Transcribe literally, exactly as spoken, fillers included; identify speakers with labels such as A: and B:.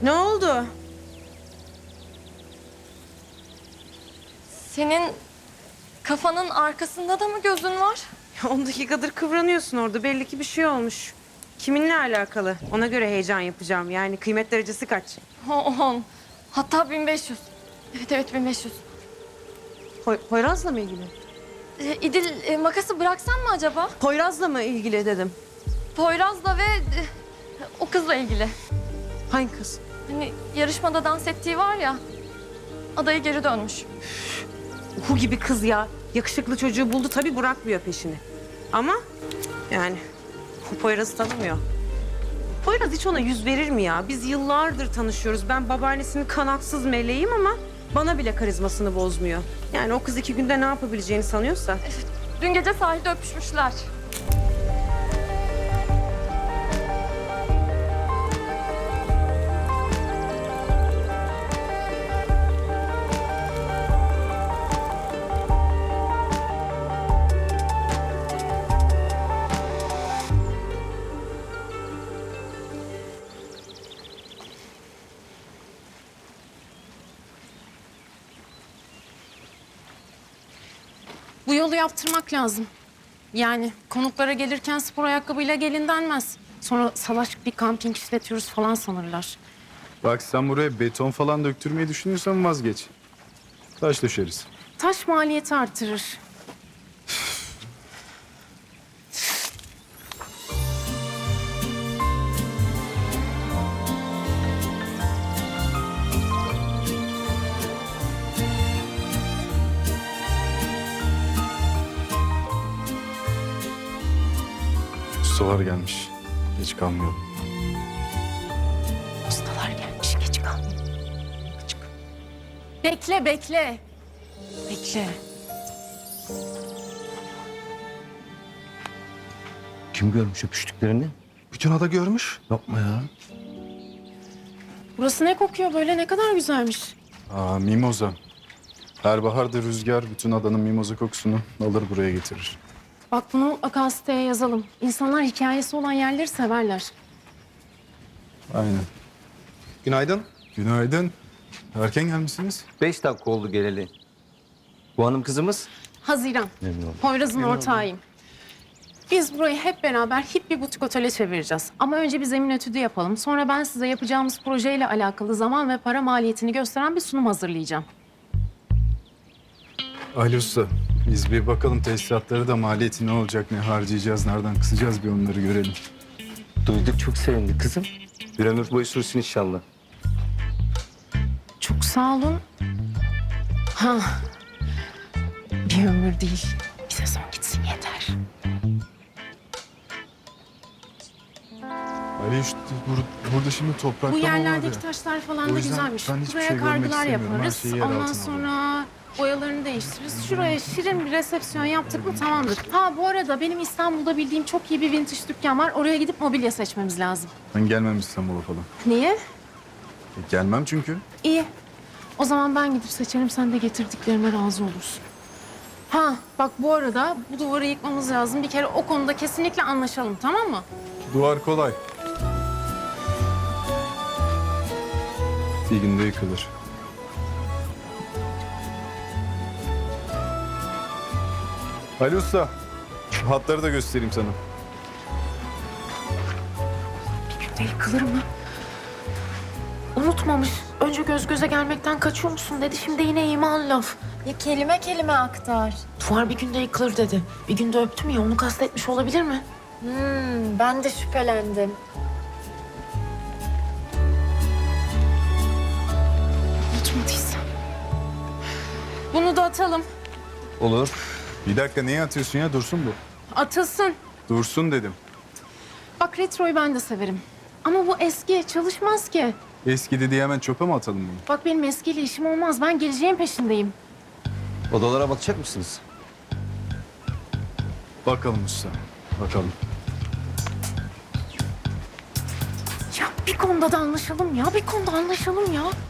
A: Ne oldu?
B: Senin kafanın arkasında da mı gözün var?
A: On dakikadır kıvranıyorsun orada. Belli ki bir şey olmuş. Kiminle alakalı? Ona göre heyecan yapacağım. Yani kıymet derecesi kaç?
B: O- On. Hatta bin beş yüz. Evet evet bin beş yüz.
A: Poy Poyraz'la mı ilgili?
B: Ee, İdil e, makası bıraksan mı acaba?
A: Poyraz'la mı ilgili dedim.
B: Poyraz'la ve e, o kızla ilgili.
A: Hangi kız?
B: Hani yarışmada dans ettiği var ya. Adayı geri dönmüş.
A: Uhu gibi kız ya. Yakışıklı çocuğu buldu tabii bırakmıyor peşini. Ama yani o Poyraz'ı tanımıyor. Poyraz hiç ona yüz verir mi ya? Biz yıllardır tanışıyoruz. Ben babaannesinin kanatsız meleğim ama bana bile karizmasını bozmuyor. Yani o kız iki günde ne yapabileceğini sanıyorsa.
B: Dün gece sahilde öpüşmüşler.
C: Bu yolu yaptırmak lazım. Yani konuklara gelirken spor ayakkabıyla gelin denmez. Sonra salaş bir kamping işletiyoruz falan sanırlar.
D: Bak sen buraya beton falan döktürmeyi düşünüyorsan vazgeç. Taş döşeriz.
C: Taş maliyeti artırır.
D: Ustalar gelmiş. Geç kalmayalım.
C: Ustalar gelmiş, geç kal. Çık. Bekle, bekle. Bekle.
E: Kim görmüş öpüştüklerini?
F: Bütün ada görmüş.
E: Yapma ya.
C: Burası ne kokuyor böyle? Ne kadar güzelmiş.
D: Aa, mimoza. Her baharda rüzgar bütün adanın mimoza kokusunu alır buraya getirir.
C: Bak bunu mutlaka siteye yazalım. İnsanlar hikayesi olan yerleri severler.
D: Aynen.
F: Günaydın.
D: Günaydın. Erken gelmişsiniz.
E: Beş dakika oldu geleli. Bu hanım kızımız.
C: Haziran.
E: Memnun oldum.
C: Poyraz'ın ortağıyım. Biz burayı hep beraber hip bir butik otele çevireceğiz. Ama önce bir zemin etüdü yapalım. Sonra ben size yapacağımız projeyle alakalı zaman ve para maliyetini gösteren bir sunum hazırlayacağım.
D: Ali Usta, biz bir bakalım tesisatları da maliyeti ne olacak, ne harcayacağız, nereden kısacağız bir onları görelim.
E: Duyduk çok sevindik kızım. Bir ömür boyu sürsün inşallah.
C: Çok sağ olun. Ha, bir ömür değil. Bir sezon gitsin yeter.
D: Ali işte bur- burada şimdi toprak
C: Bu
D: var ya.
C: yerlerdeki taşlar falan
D: O
C: da
D: yüzden
C: güzelmiş.
D: ben hiçbir
C: Buraya
D: şey görmek
C: kargılar
D: istemiyorum. Her
C: yaparız.
D: şeyi yer
C: Ondan
D: altına
C: sonra boyalarını değiştiririz. Şuraya şirin bir resepsiyon yaptık mı tamamdır. Ha bu arada benim İstanbul'da bildiğim çok iyi bir vintage dükkan var. Oraya gidip mobilya seçmemiz lazım.
D: Ben gelmem İstanbul'a falan.
C: Niye?
D: E, gelmem çünkü.
C: İyi. O zaman ben gidip seçerim. Sen de getirdiklerime razı olursun. Ha bak bu arada bu duvarı yıkmamız lazım. Bir kere o konuda kesinlikle anlaşalım, tamam mı?
D: Duvar kolay. Bir günde yıkılır. Ali Usta, şu hatları da göstereyim sana.
C: Bir günde yıkılır mı? Unutmamış. Önce göz göze gelmekten kaçıyor musun dedi. Şimdi yine iman laf.
B: Ya kelime kelime aktar.
C: Duvar bir günde yıkılır dedi. Bir günde öptüm ya onu kastetmiş olabilir mi?
B: Hmm, ben de şüphelendim.
C: Unutmadıysam. Bunu da atalım.
E: Olur.
D: Bir dakika neye atıyorsun ya? Dursun bu.
C: Atılsın.
D: Dursun dedim.
C: Bak retroyu ben de severim. Ama bu eski çalışmaz ki.
D: Eskidi diye hemen çöpe mi atalım bunu?
C: Bak benim eskiyle işim olmaz. Ben geleceğin peşindeyim.
E: Odalara bakacak mısınız?
D: Bakalım usta, bakalım.
C: Ya bir konuda da anlaşalım ya. Bir konuda anlaşalım ya.